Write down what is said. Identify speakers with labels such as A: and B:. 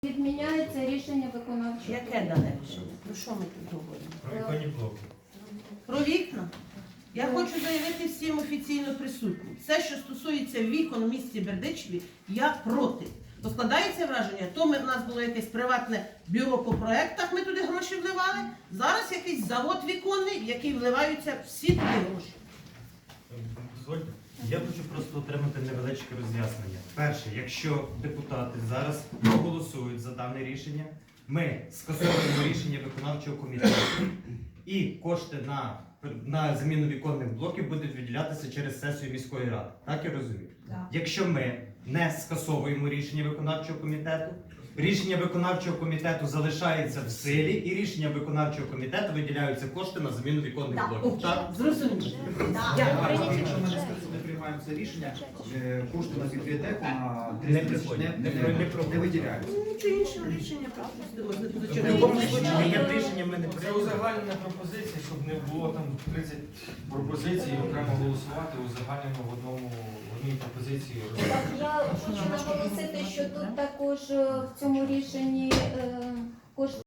A: Відміняється рішення виконавчого.
B: Яке дане рішення? Про що ми тут говоримо?
C: Про віконні блоки.
B: Про вікна? Я хочу заявити всім офіційно присутнім. Все, що стосується вікон в місті Бердичеві, я проти. То складається враження, то в нас було якесь приватне бюро по проєктах, ми туди гроші вливали, зараз якийсь завод віконний, в який вливаються всі туди гроші.
C: Дозвольте. Я хочу просто отримати невеличке роз'яснення. Перше, якщо депутати зараз проголосують за дане рішення, ми скасовуємо рішення виконавчого комітету і кошти на заміну віконних блоків будуть виділятися через сесію міської ради. Так я розумію?
A: Так.
C: Якщо ми не скасовуємо рішення виконавчого комітету, рішення виконавчого комітету залишається в силі і рішення виконавчого комітету виділяються кошти на заміну віконних блоків. Так?
B: Зрозуміло.
D: Якщо ми не приймаємо це рішення, кошти на бібліотеку на 30 тисяч не виділяються.
B: Нічого іншого рішення пропустимо.
C: В будь-якому случаї є рішення, ми не
E: Це
C: приймемо.
E: узагальнена пропозиція, щоб не було там 30 пропозицій, окремо голосувати, узагальнено в одній пропозиції.
A: Так, я хочу наголосити, що тут також в цьому рішенні кошти